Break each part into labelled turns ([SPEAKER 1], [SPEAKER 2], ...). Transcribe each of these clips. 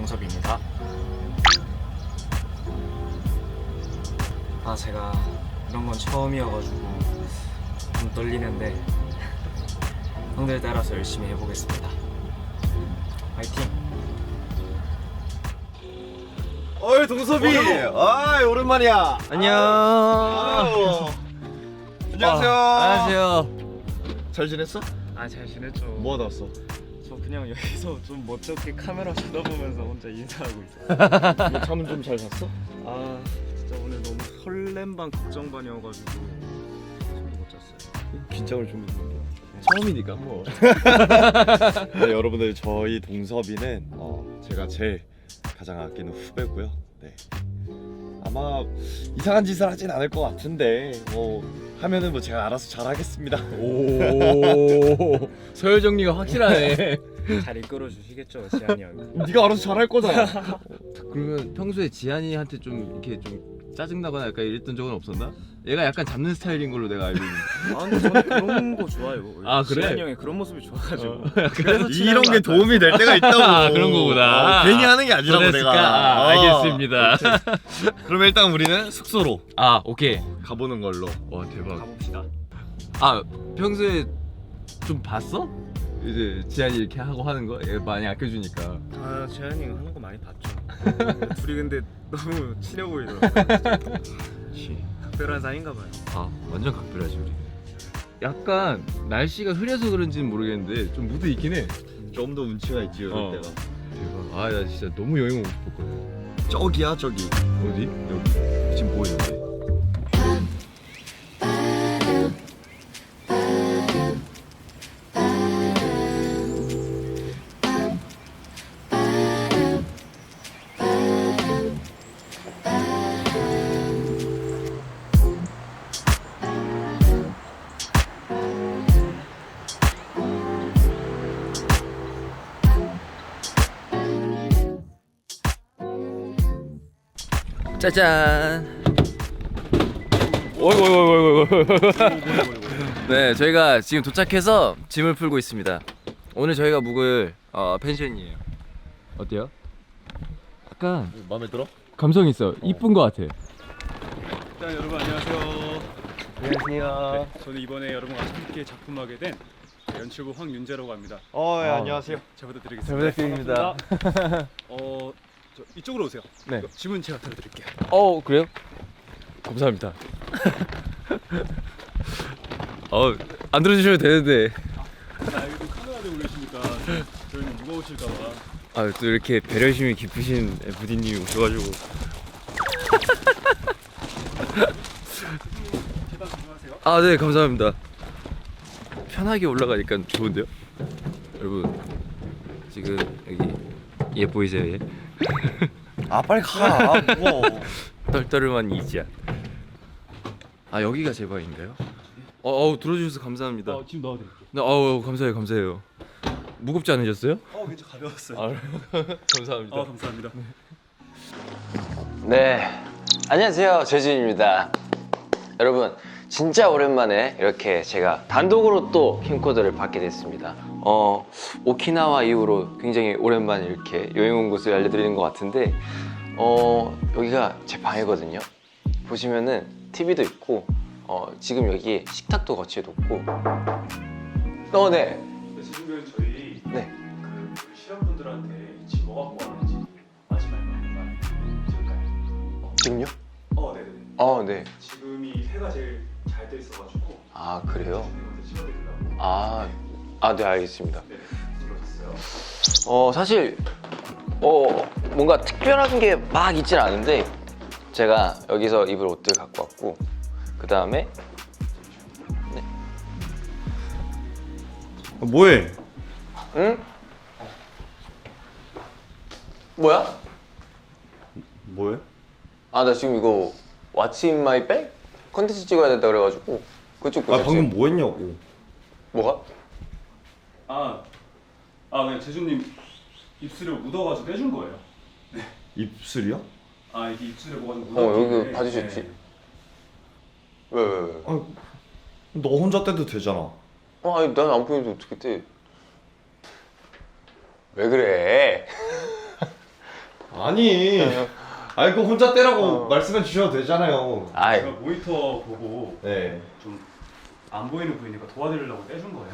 [SPEAKER 1] 동섭입니다. 제가 이런 건 처음이어가지고 좀 떨리는데 형들 따라서 열심히 해보겠습니다. 화이팅!
[SPEAKER 2] 어이 동섭이! 아이 오랜만이야.
[SPEAKER 3] 안녕.
[SPEAKER 2] 안녕하세요.
[SPEAKER 3] 안녕하세요.
[SPEAKER 2] 잘 지냈어?
[SPEAKER 1] 잘 지냈죠?
[SPEAKER 2] 뭐 하다 왔어?
[SPEAKER 1] 저 그냥 여기서 좀 멋쩍게 카메라 쳐다보면서 혼자 인사하고 있어요.
[SPEAKER 2] 잠은 좀 잘 잤어?
[SPEAKER 1] 진짜 오늘 너무 설렘 반 걱정 반이어가지고 잠도 못 잤어요.
[SPEAKER 2] 긴장을 좀 했는데 처음이니까 뭐. 네, 여러분들 저희 동섭이는 제가 제일 가장 아끼는 후배고요. 네. 아마 이상한 짓을 하진 않을 것 같은데 하면은 뭐 제가 알아서 잘하겠습니다.
[SPEAKER 3] 오, 서열 정리가 확실하네.
[SPEAKER 1] 잘 이끌어 주시겠죠, 지한이 형.
[SPEAKER 2] 네가 알아서 잘할 거잖아.
[SPEAKER 3] 그러면 평소에 지한이한테 좀 이렇게 좀 짜증나거나 약간 이랬던 적은 없었나? 얘가 약간 잡는 스타일인 걸로 내가 알고 있는데.
[SPEAKER 1] 근데 저는 그런 거 좋아요.
[SPEAKER 3] 아, 그래?
[SPEAKER 1] 지한이 형의 그런 모습이 좋아가지고.
[SPEAKER 3] 그래서
[SPEAKER 2] 이런 게 도움이 될 때가 있다고.
[SPEAKER 3] 그런 거구나.
[SPEAKER 2] 괜히 하는 게 아니라고
[SPEAKER 3] 그랬을까?
[SPEAKER 2] 내가.
[SPEAKER 3] 알겠습니다.
[SPEAKER 2] 그러면 일단 우리는 숙소로
[SPEAKER 3] 오케이.
[SPEAKER 2] 가보는 걸로.
[SPEAKER 3] 와 대박.
[SPEAKER 1] 가봅시다.
[SPEAKER 3] 평소에 좀 봤어? 이제 지한이 이렇게 하고 하는 거? 얘 많이 아껴주니까.
[SPEAKER 1] 지한이 형 하는 거 많이 봤죠. 둘이 근데 너무 친해 보이더라고요. 특별한 사이인가 봐요.
[SPEAKER 3] 완전 각별하지 우리. 약간 날씨가 흐려서 그런지는 모르겠는데 좀 무드 있긴 해.
[SPEAKER 2] 좀 더 운치가 있지 이럴 때가.
[SPEAKER 3] 대박. 나 진짜 너무 여행 오고 싶었거든.
[SPEAKER 2] 저기야 저기.
[SPEAKER 3] 어디? 여기. 지금 보이는데. 짜잔. 어이구. 네, 저희가 지금 도착해서 짐을 풀고 있습니다. 오늘 저희가 묵을 펜션이에요. 어때요? 약간
[SPEAKER 2] 마음에 들어?
[SPEAKER 3] 감성 있어. 이쁜 거 같아.
[SPEAKER 4] 일단 여러분 안녕하세요.
[SPEAKER 3] 안녕하세요.
[SPEAKER 4] 네, 저는 이번에 여러분과 함께 작품하게 된 연출부 황윤재라고 합니다.
[SPEAKER 2] 예, 안녕하세요.
[SPEAKER 4] 잘 부탁드리겠습니다.
[SPEAKER 3] 잘 부탁드립니다.
[SPEAKER 4] 저 이쪽으로 오세요.
[SPEAKER 3] 네.
[SPEAKER 4] 이거 지문 제가 들어드릴게요.
[SPEAKER 3] 그래요? 감사합니다. 안 들어주셔도 되는데.
[SPEAKER 4] 여기 또 카메라 들고 계시니까 저희는 무거우실까봐.
[SPEAKER 3] 또 이렇게 배려심이 깊으신 부디님이 오셔가지고.
[SPEAKER 4] 계단 조심하세요.
[SPEAKER 3] 네, 감사합니다. 편하게 올라가니까 좋은데요? 여러분, 지금 여기 얘 보이세요, 얘?
[SPEAKER 2] 빨리 가. 뭐.
[SPEAKER 3] 떨떠름한 이지야. 여기가 제 방인가요? 들어주셔서 감사합니다.
[SPEAKER 4] 지금 넣어드릴게요.
[SPEAKER 3] 네, 감사해요. 무겁지 않으셨어요?
[SPEAKER 4] 굉장히 가벼웠어요.
[SPEAKER 3] 감사합니다.
[SPEAKER 4] 감사합니다.
[SPEAKER 5] 네, 안녕하세요. 재준입니다. 여러분, 진짜 오랜만에 이렇게 제가 단독으로 또 캠코더를 받게 됐습니다. 오키나와 이후로 굉장히 오랜만에 이렇게 여행 온 곳을 알려드리는 것 같은데 여기가 제 방이거든요. 보시면은 TV도 있고 지금 여기 식탁도 거치해뒀고 네.
[SPEAKER 4] 지금 저희
[SPEAKER 5] 네.
[SPEAKER 4] 그 실험분들한테 지금 뭐 갖고 왔는지 마지막에 한번 찍을까요?
[SPEAKER 5] 지금요?
[SPEAKER 4] 네네네.
[SPEAKER 5] 네.
[SPEAKER 4] 지금이 해가 제일 잘 돼 있어가지고.
[SPEAKER 5] 그래요?
[SPEAKER 4] 찍어드리려고.
[SPEAKER 5] 네, 알겠습니다.
[SPEAKER 4] 네, 들어오셨어요.
[SPEAKER 5] 사실 뭔가 특별한 게 막 있진 않은데 제가 여기서 입을 옷들 갖고 왔고 그 다음에
[SPEAKER 2] 뭐해?
[SPEAKER 5] 응? 뭐야?
[SPEAKER 2] 뭐해?
[SPEAKER 5] 나 지금 이거 What's in my bag? 컨텐츠 찍어야 된다 그래가지고 그쪽
[SPEAKER 2] 방금 뭐 했냐고.
[SPEAKER 5] 뭐가?
[SPEAKER 4] 그냥 재준님 입술에 묻어가지고 떼준 거예요.
[SPEAKER 2] 입술이야?
[SPEAKER 4] 이게 입술에 뭐가 좀 묻어.
[SPEAKER 5] 여기 봐주셨지? 왜?
[SPEAKER 2] 너 혼자 떼도 되잖아.
[SPEAKER 5] 아니 난 안 보이는데 어떻게 떼? 왜 그래?
[SPEAKER 2] 아니 아니 그 혼자 떼라고 말씀해 주셔도 되잖아요.
[SPEAKER 5] 아이,
[SPEAKER 4] 제가 모니터 보고
[SPEAKER 2] 네.
[SPEAKER 4] 좀 안 보이는 보이니까 도와드리려고 떼준 거예요.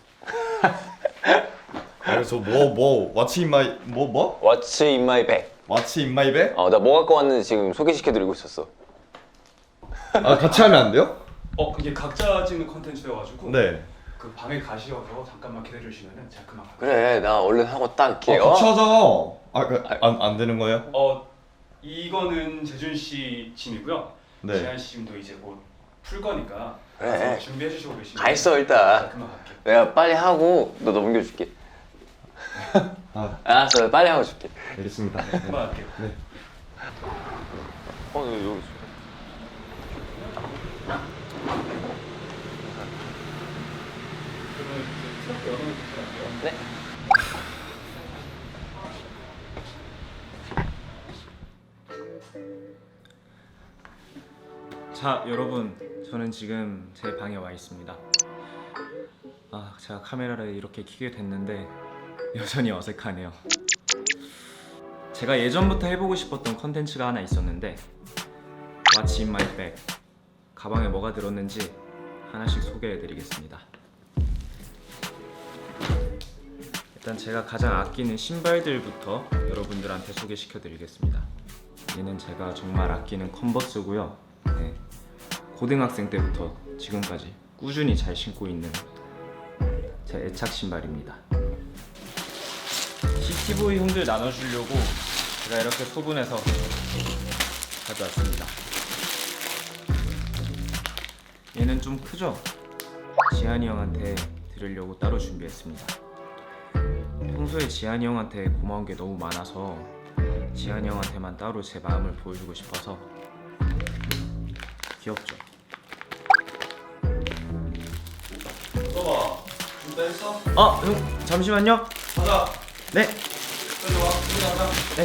[SPEAKER 2] 그래서 뭐 What's in my 뭐?
[SPEAKER 5] What's in my bag?
[SPEAKER 2] What's in my bag?
[SPEAKER 5] 나 뭐 갖고 왔는지 지금 소개시켜드리고 있었어.
[SPEAKER 2] 아 같이 하면 안 돼요?
[SPEAKER 4] 이게 각자 찍는 컨텐츠여가지고
[SPEAKER 2] 네.
[SPEAKER 4] 그 방에 가시어서 잠깐만 기다려주시면은 제가 그만 갈게요.
[SPEAKER 5] 그래, 나 얼른 하고 딱 이렇게.
[SPEAKER 2] 같이 하자. 안 되는 거예요?
[SPEAKER 4] 이거는 재준 씨 짐이고요.
[SPEAKER 2] 네.
[SPEAKER 4] 지한 씨 짐도 이제 곧 풀 거니까
[SPEAKER 5] 그래.
[SPEAKER 4] 가서 준비해 주시고 계시면
[SPEAKER 5] 가 있어, 일단.
[SPEAKER 4] 제가 그만 갈게요.
[SPEAKER 5] 내가 빨리 하고 너 넘겨줄게. 알았어, 빨리 하고 줄게.
[SPEAKER 2] 알겠습니다.
[SPEAKER 4] 그만 갈게요.
[SPEAKER 2] 네.
[SPEAKER 5] 너 여기 있어. 네.
[SPEAKER 1] 자, 여러분, 저는 지금 제 방에 와 있습니다. 제가 카메라를 이렇게 켜게 됐는데 여전히 어색하네요. 제가 예전부터 해보고 싶었던 컨텐츠가 하나 있었는데 What's in my bag? 가방에 뭐가 들었는지 하나씩 소개해드리겠습니다. 일단 제가 가장 아끼는 신발들부터 여러분들한테 소개시켜드리겠습니다. 얘는 제가 정말 아끼는 컨버스고요. 네, 고등학생 때부터 지금까지 꾸준히 잘 신고 있는 제 애착 신발입니다. CTV 형들 나눠주려고 제가 이렇게 소분해서 가져왔습니다. 얘는 좀 크죠? 지한이 형한테 드리려고 따로 준비했습니다. 평소에 지한이 형한테 고마운 게 너무 많아서 지한이 형한테만 따로 제 마음을 보여주고 싶어서. 귀엽죠?
[SPEAKER 2] 써봐. 준비 했어?
[SPEAKER 1] 형 잠시만요.
[SPEAKER 2] 가자.
[SPEAKER 1] 네.
[SPEAKER 2] 빨리 와. 우리 가자.
[SPEAKER 1] 네.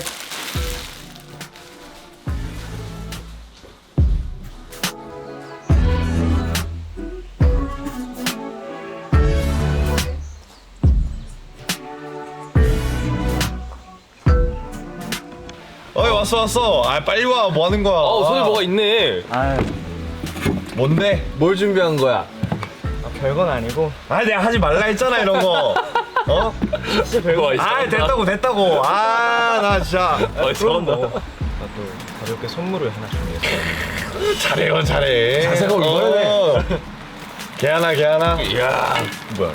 [SPEAKER 2] 왔어. 빨리 와. 뭐 하는 거야?
[SPEAKER 3] 손에 뭐가 있네.
[SPEAKER 2] 뭔데?
[SPEAKER 3] 뭘 준비한 거야?
[SPEAKER 1] 별건 아니고.
[SPEAKER 2] 내가 하지 말라 했잖아 이런 거.
[SPEAKER 1] 진짜 별거 있어.
[SPEAKER 2] 됐다고. 나 진짜.
[SPEAKER 1] 나도 가볍게 선물을 하나 준비했어.
[SPEAKER 2] 잘해.
[SPEAKER 3] 자세가 얼마나 돼?
[SPEAKER 2] 개하나.
[SPEAKER 3] 이야, 뭐야?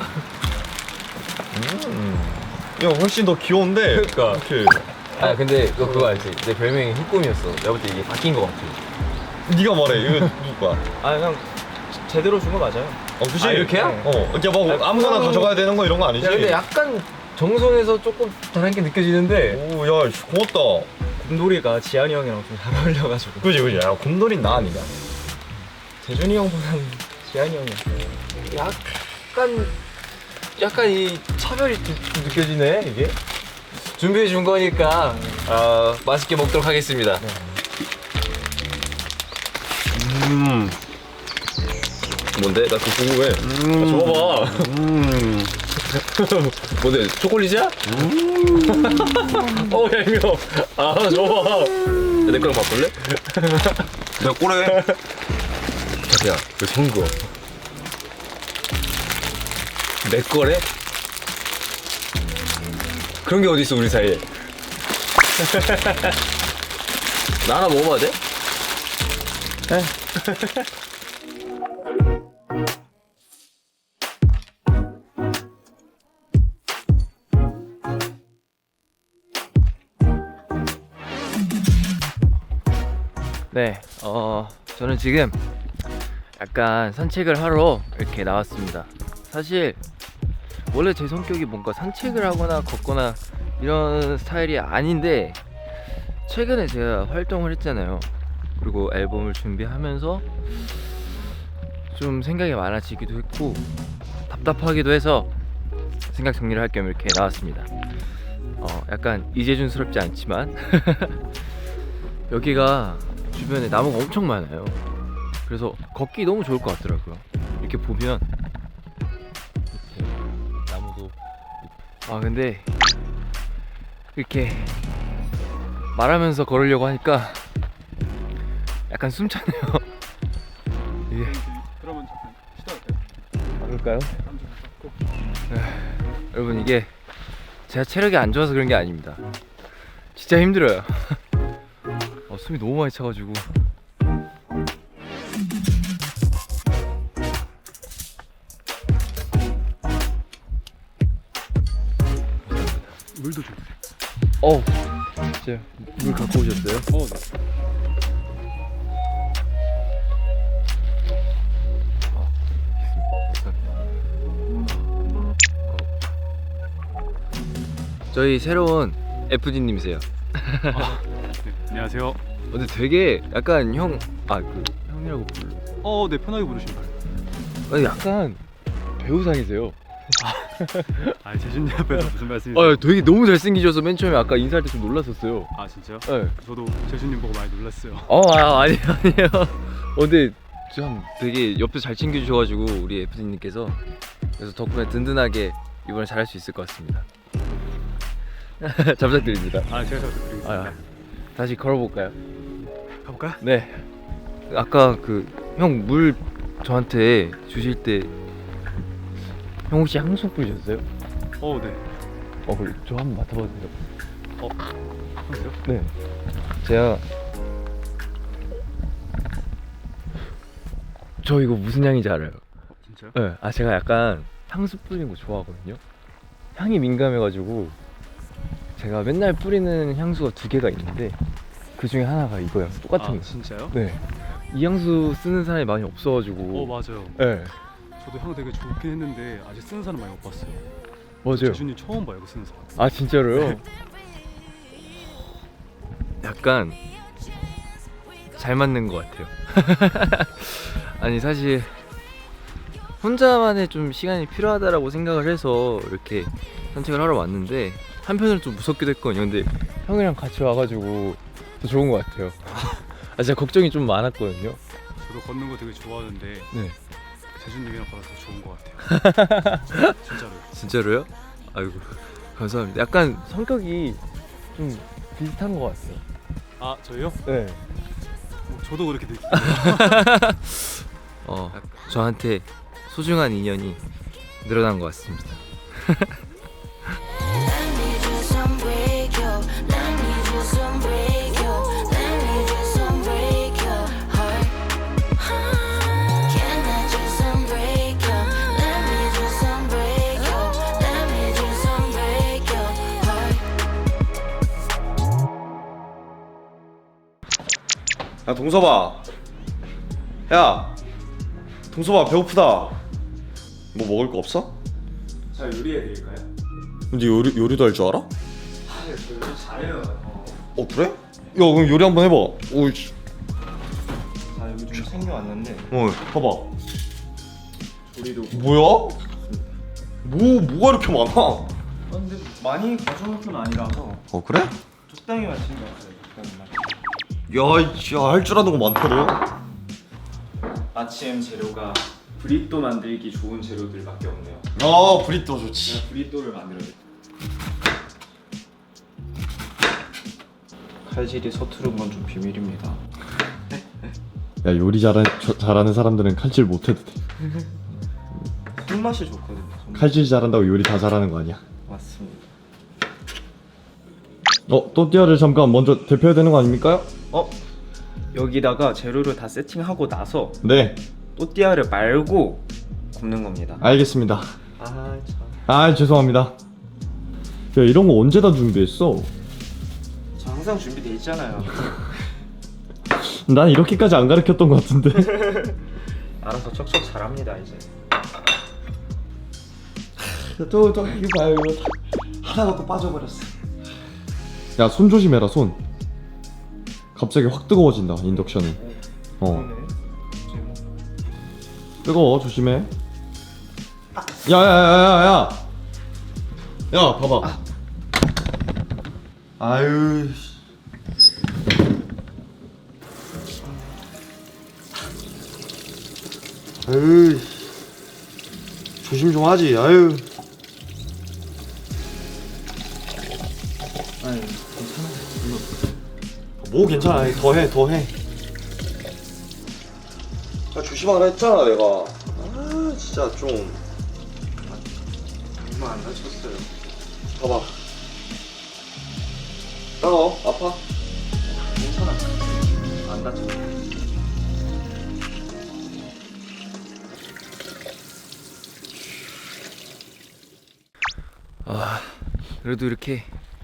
[SPEAKER 2] 야 훨씬 더 귀여운데.
[SPEAKER 3] 그러니까.
[SPEAKER 2] 이렇게.
[SPEAKER 3] 근데 너 그거 알지? 내 별명이 흑꿈이었어. 내가 볼 때 이게 바뀐 거 같아.
[SPEAKER 2] 네가 말해. 이거 누구 거야?
[SPEAKER 1] 형 제대로 준 거 맞아요.
[SPEAKER 2] 그치?
[SPEAKER 3] 이렇게야?
[SPEAKER 2] 이렇게 뭐 아무거나 가져가야 되는 거 이런 거 아니지?
[SPEAKER 3] 야, 근데 약간 정성에서 조금 다른 게 느껴지는데.
[SPEAKER 2] 오, 야, 고맙다.
[SPEAKER 1] 곰돌이가 지한이 형이랑 좀 잘 어울려가지고.
[SPEAKER 2] 그지. 야, 곰돌이 나 아니냐?
[SPEAKER 1] 재준이 형보다는 지한이 형이야.
[SPEAKER 3] 약간 이 차별이 좀 느껴지네 이게. 준비해 준 거니까 맛있게 먹도록 하겠습니다. 뭔데? 나 그거 궁금해. 줘봐. 뭔데? 초콜릿이야? 얄미워. 줘봐. 내 거랑 바꿀래?
[SPEAKER 2] 내가 꼬래.
[SPEAKER 3] 야, 왜 손 그어? 내 거래? 그런 게 어딨어 우리 사이에. 나 하나 먹어봐도 돼? 네, 저는 지금 약간 산책을 하러 이렇게 나왔습니다. 사실 원래 제 성격이 뭔가 산책을 하거나 걷거나 이런 스타일이 아닌데 최근에 제가 활동을 했잖아요. 그리고 앨범을 준비하면서 좀 생각이 많아지기도 했고 답답하기도 해서 생각 정리를 할 겸 이렇게 나왔습니다. 약간 이재준스럽지 않지만 여기가 주변에 나무가 엄청 많아요. 그래서 걷기 너무 좋을 것 같더라고요. 이렇게 보면 이렇게 나무도 근데 이렇게 말하면서 걸으려고 하니까 약간 숨차네요. 이게
[SPEAKER 4] 그러면 잠깐 쉬다 갈까요?
[SPEAKER 3] 그럴까요?
[SPEAKER 4] 한좀 잡고.
[SPEAKER 3] 여러분 이게 제가 체력이 안 좋아서 그런 게 아닙니다. 진짜 힘들어요. 숨이 너무 많이 차가지고.
[SPEAKER 4] 물도 좀.
[SPEAKER 3] 진짜 물 갖고 오셨어요?
[SPEAKER 4] 네.
[SPEAKER 3] 저희 새로운 FD님이세요.
[SPEAKER 4] 네, 안녕하세요.
[SPEAKER 3] 근데 되게 약간 형이라고 불러.
[SPEAKER 4] 네, 편하게 부르시면 돼요.
[SPEAKER 3] 약간 배우상이세요.
[SPEAKER 4] 재준님 앞에서 무슨 말씀이세요?
[SPEAKER 3] 되게 너무 잘생기셔서 맨 처음에 아까 인사할 때 좀 놀랐었어요.
[SPEAKER 4] 진짜요?
[SPEAKER 3] 네.
[SPEAKER 4] 저도 재준님 보고 많이 놀랐어요.
[SPEAKER 3] 아니에요. 근데 참 되게 옆에서 잘 챙겨주셔가지고 우리 FD님께서 그래서 덕분에 든든하게 이번에 잘할 수 있을 것 같습니다. 잘 부탁드립니다.
[SPEAKER 4] 제가 잘 부탁드리겠습니다.
[SPEAKER 3] 다시 걸어볼까요?
[SPEAKER 4] 가볼까요?
[SPEAKER 3] 네. 아까 형 물 저한테 주실 때 형 혹시 향수 뿌리셨어요?
[SPEAKER 4] 네.
[SPEAKER 3] 그래 저 한번 맡아봐도 돼요?
[SPEAKER 4] 그래요?
[SPEAKER 3] 네. 제가 저 이거 무슨 향인지 알아요?
[SPEAKER 4] 진짜요?
[SPEAKER 3] 네. 제가 약간 향수 뿌리는 거 좋아하거든요. 향이 민감해가지고 제가 맨날 뿌리는 향수가 2개가 있는데 그 중에 하나가 이거예요. 똑같은 거.
[SPEAKER 4] 진짜요?
[SPEAKER 3] 네. 이 향수 쓰는 사람이 많이 없어가지고.
[SPEAKER 4] 맞아요.
[SPEAKER 3] 네.
[SPEAKER 4] 저도 향 되게 좋긴 했는데 아직 쓰는 사람 많이 못 봤어요.
[SPEAKER 3] 맞아요.
[SPEAKER 4] 재준님 처음 봐요, 이거 쓰는 사람.
[SPEAKER 3] 진짜로요? 약간 잘 맞는 것 같아요. 아니 사실 혼자만의 좀 시간이 필요하다라고 생각을 해서 이렇게 산책을 하러 왔는데 한편으로 좀 무섭기도 했거든요. 근데 형이랑 같이 와가지고 더 좋은 것 같아요. 진짜 걱정이 좀 많았거든요.
[SPEAKER 4] 저도 걷는 거 되게 좋아하는데
[SPEAKER 3] 네.
[SPEAKER 4] 재준님이랑 걸어서 좋은 것 같아요. 진짜로요.
[SPEAKER 3] 진짜로요? 아이고 감사합니다. 약간 성격이 좀 비슷한 것 같아요.
[SPEAKER 4] 저요?
[SPEAKER 3] 네.
[SPEAKER 4] 저도 그렇게 느끼고.
[SPEAKER 3] 저한테 소중한 인연이 늘어난 것 같습니다.
[SPEAKER 2] 야 동섭아, 야 동섭아 배고프다. 뭐 먹을 거 없어?
[SPEAKER 1] 잘 요리해드릴까요?
[SPEAKER 2] 근데 요리도 할 줄 알아?
[SPEAKER 1] 저 요리 잘해요.
[SPEAKER 2] 그래? 야 그럼 요리 한번 해봐. 오이씨.
[SPEAKER 1] 여기 좀 챙겨왔는데
[SPEAKER 2] 봐봐.
[SPEAKER 1] 조리도
[SPEAKER 2] 뭐야? 뭐가 이렇게 많아?
[SPEAKER 1] 근데 많이 가져올 건 아니라서
[SPEAKER 2] 그래?
[SPEAKER 1] 적당히만 챙겨왔어요. 적당히만.
[SPEAKER 2] 야, 할 줄 아는 거 많다 너.
[SPEAKER 1] 아침 재료가 브리또 만들기 좋은 재료들밖에 없네요.
[SPEAKER 2] 브리또 좋지.
[SPEAKER 1] 제가 브리또를 만들어요. 칼질이 서투른 건 좀 비밀입니다.
[SPEAKER 2] 야 요리 잘하는 사람들은 칼질 못해도 돼.
[SPEAKER 1] 손맛이 좋거든요.
[SPEAKER 2] 칼질 잘한다고 요리 다 잘하는 거 아니야?
[SPEAKER 1] 맞습니다.
[SPEAKER 2] 또띠아를 잠깐 먼저 데펴야 되는 거 아닙니까?
[SPEAKER 1] 여기다가 재료를 다 세팅하고 나서
[SPEAKER 2] 네,
[SPEAKER 1] 또띠아를 말고 굽는 겁니다.
[SPEAKER 2] 알겠습니다.
[SPEAKER 1] 참.
[SPEAKER 2] 죄송합니다. 야 이런 거 언제 다 준비했어?
[SPEAKER 1] 저 항상 준비돼 있잖아요.
[SPEAKER 2] 난 이렇게까지 안 가르쳤던 것 같은데.
[SPEAKER 1] 알아서 척척 잘합니다 이제.
[SPEAKER 2] 또 이거 봐요 이거 하다가 또 빠져버렸어. 야 손 조심해라 손. 갑자기 확 뜨거워진다 인덕션이.
[SPEAKER 1] 그러네. 이제 뭐
[SPEAKER 2] 뜨거워 조심해. 야야야야야. 야 봐봐. 아유. 아유. 조심 좀 하지. 아유.
[SPEAKER 1] 아니 괜찮아.
[SPEAKER 2] 뭐 괜찮아. 더해. 아, 조심하라 했잖아 내가. 아 진짜 좀.
[SPEAKER 4] 얼마 안 다쳤어요.
[SPEAKER 2] 봐봐. 따가워? 아파?
[SPEAKER 4] 괜찮아. 안 다쳤어.
[SPEAKER 3] 아, 그래도 이렇게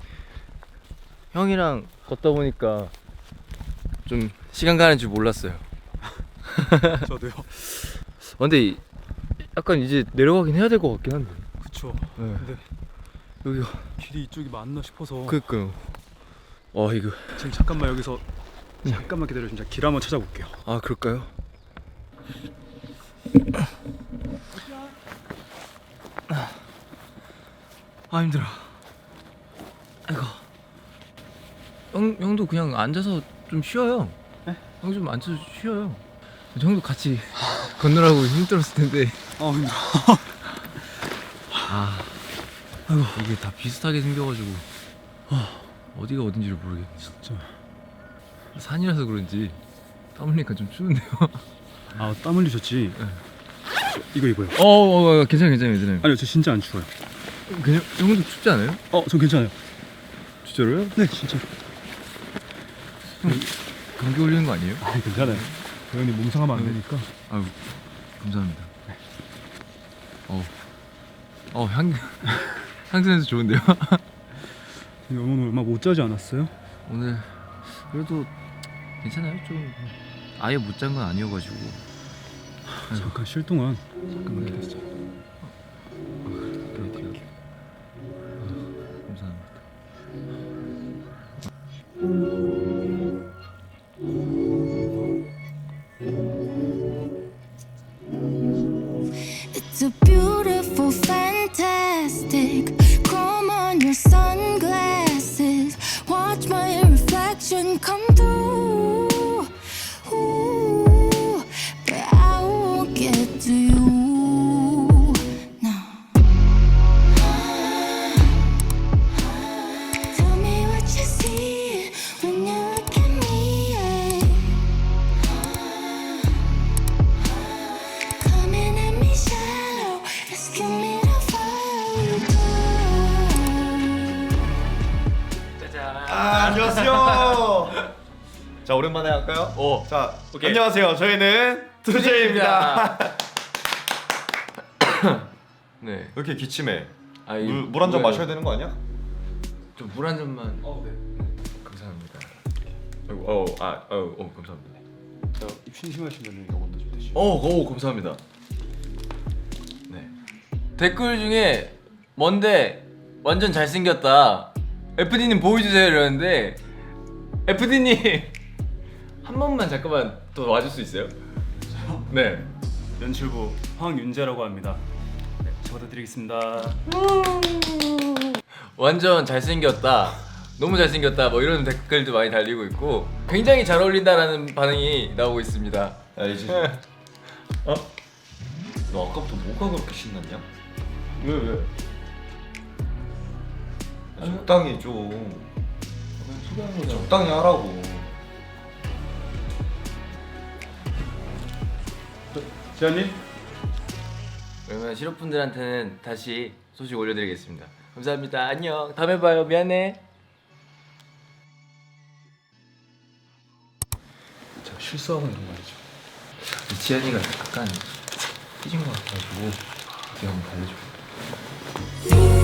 [SPEAKER 3] 형이랑 걷다 보니까 좀 시간 가는 줄 몰랐어요.
[SPEAKER 4] 저도요.
[SPEAKER 3] 근데 약간 이제 내려가긴 해야 될 것 같긴 한데.
[SPEAKER 4] 그쵸.
[SPEAKER 3] 네.
[SPEAKER 4] 근데
[SPEAKER 3] 여기가
[SPEAKER 4] 길이 이쪽이 맞나 싶어서
[SPEAKER 3] 그니까요. 이거
[SPEAKER 4] 지금 잠깐만 여기서 잠깐만 기다려. 진짜 길 한번 찾아볼게요.
[SPEAKER 3] 그럴까요? 힘들어. 아이고. 형도 그냥 앉아서 좀 쉬어요.
[SPEAKER 4] 네?
[SPEAKER 3] 형 좀 앉아서 쉬어요. 형도 같이 걷느라고 힘들었을 텐데.
[SPEAKER 4] 힘들어.
[SPEAKER 3] 아이고. 이게 다 비슷하게 생겨가지고 어디가 어딘지를 모르겠네.
[SPEAKER 4] 진짜.
[SPEAKER 3] 산이라서 그런지 땀 흘리니까 좀 추운데요.
[SPEAKER 4] 땀 흘리셨지?
[SPEAKER 3] 네.
[SPEAKER 4] 이거요.
[SPEAKER 3] 괜찮아요.
[SPEAKER 4] 아니요, 저 진짜 안 추워요.
[SPEAKER 3] 그냥 형도 춥지 않아요?
[SPEAKER 4] 전 괜찮아요.
[SPEAKER 3] 진짜로요?
[SPEAKER 4] 네, 진짜.
[SPEAKER 3] 감기 걸리는 거 아니에요?
[SPEAKER 4] 괜찮아요. 당연히 몸 상하면 안 되니까.
[SPEAKER 3] 아유, 감사합니다. 향수냄새 좋은데요?
[SPEAKER 4] 오늘 얼마 못 자지 않았어요?
[SPEAKER 3] 오늘 그래도 괜찮아요. 좀 아예 못 잔 건 아니어가지고.
[SPEAKER 4] 잠깐 쉴 동안
[SPEAKER 3] 네.
[SPEAKER 4] 잠깐만 기다리자.
[SPEAKER 3] 감사합니다.
[SPEAKER 6] It's a beautiful, fantastic. Chrome on your sunglasses. Watch my reflection come through. Ooh, but I won't get to you. No. Tell me what you see when you look at me. Coming at me shallow, asking me to follow you go.
[SPEAKER 2] 안녕하세요. 자 오랜만에 할까요? 자
[SPEAKER 3] 오케이.
[SPEAKER 2] 안녕하세요. 저희는 투제입니다.
[SPEAKER 3] 네.
[SPEAKER 2] 왜 이렇게 기침해?
[SPEAKER 3] 물
[SPEAKER 2] 한 잔 마셔야 되는 거 아니야?
[SPEAKER 3] 좀물 한 잔만.
[SPEAKER 4] 네.
[SPEAKER 3] 감사합니다. 감사합니다.
[SPEAKER 4] 입 심심하시면 이거 먼저 좀 드시고.
[SPEAKER 3] 감사합니다. 네. 댓글 중에 뭔데 완전 잘생겼다. FD님 보여주세요 이러는데 FD님 한 번만 잠깐만 더 와줄 수 있어요? 네.
[SPEAKER 4] 연출부 황윤재라고 합니다. 네, 적어드리겠습니다.
[SPEAKER 3] 완전 잘생겼다. 너무 잘생겼다. 뭐 이런 댓글도 많이 달리고 있고 굉장히 잘 어울린다라는 반응이 나오고 있습니다.
[SPEAKER 2] 야 이제 너 아까부터 뭐가 그렇게 신났냐?
[SPEAKER 3] 왜?
[SPEAKER 2] 적당히 좀
[SPEAKER 3] 소개하는 거죠.
[SPEAKER 2] 적당히 하라고.
[SPEAKER 4] 지현님?
[SPEAKER 3] 그러면 실업분들한테는 다시 소식 올려드리겠습니다. 감사합니다. 안녕. 다음에 봐요. 미안해.
[SPEAKER 4] 제가 실수하고 있는 거 아니죠?
[SPEAKER 3] 지현이가 약간 삐진 것 같아가지고 제가 한번 달래줘.
[SPEAKER 6] You